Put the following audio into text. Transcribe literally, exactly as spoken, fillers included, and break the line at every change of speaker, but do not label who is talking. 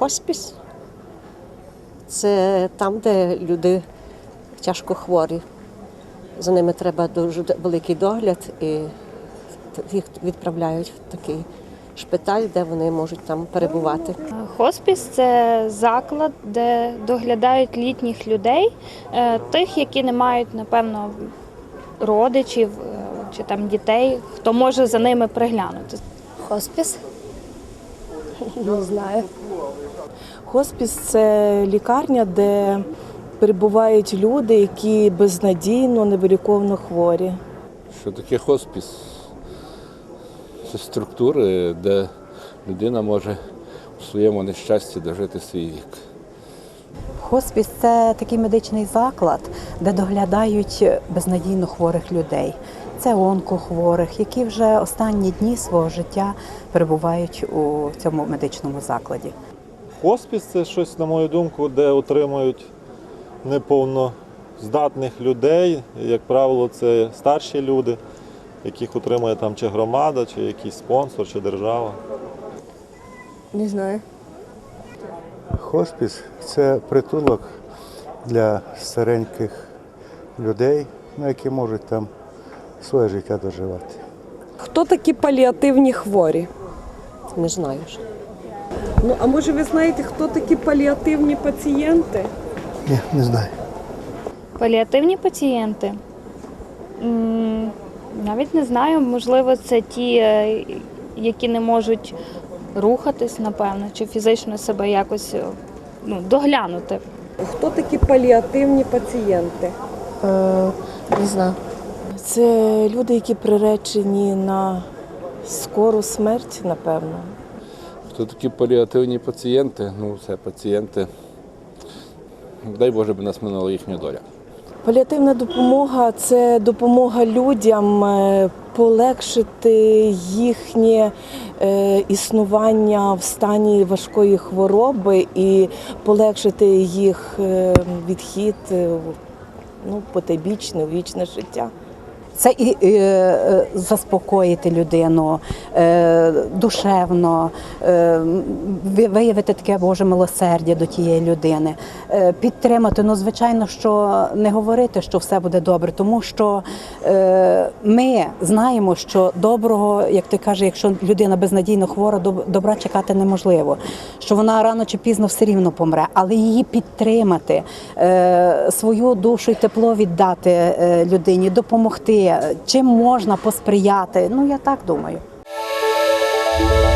Хоспіс – це там, де люди тяжко хворі. За ними треба дуже великий догляд, і їх відправляють в такий шпиталь, де вони можуть там перебувати.
Хоспіс – це заклад, де доглядають літніх людей, тих, які не мають, напевно, родичів чи там дітей, хто може за ними приглянути.
Хоспіс? Не знаю.
Хоспіс – це лікарня, де перебувають люди, які безнадійно, невиліковно хворі.
Що таке хоспіс? Це структури, де людина може у своєму нещасті дожити свій вік.
Хоспіс – це такий медичний заклад, де доглядають безнадійно хворих людей. Це онкохворих, які вже останні дні свого життя перебувають у цьому медичному закладі.
Хоспіс – це щось, на мою думку, де утримують неповноздатних людей. Як правило, це старші люди, яких утримує там чи громада, чи якийсь спонсор, чи держава.
Не знаю.
Хоспіс – це притулок для стареньких людей, які можуть там своє життя доживати.
Хто такі паліативні хворі?
Не знаю.
Ну, а може ви знаєте, хто такі паліативні пацієнти?
Ні, не знаю.
Паліативні пацієнти? М, Навіть не знаю, можливо, це ті, які не можуть рухатись, напевно, чи фізично себе якось ну, доглянути.
Хто такі паліативні пацієнти?
Е, не знаю.
Це люди, які приречені на скору смерть, напевно.
Хто такі паліативні пацієнти? Ну, це пацієнти, дай Боже, б нас минула їхня доля.
Паліативна допомога – це допомога людям полегшити їхнє існування в стані важкої хвороби і полегшити їх відхід ну, потойбічне, у вічне життя.
Це і е, заспокоїти людину е, душевно, е, виявити таке Боже милосердя до тієї людини, е, підтримати. Ну, звичайно, що не говорити, що все буде добре, тому що е, ми знаємо, що доброго, як ти кажеш, якщо людина безнадійно хвора, добра чекати неможливо, що вона рано чи пізно все рівно помре, але її підтримати, е, свою душу і тепло віддати е, людині, допомогти. Чим можна посприяти? Ну, я так думаю.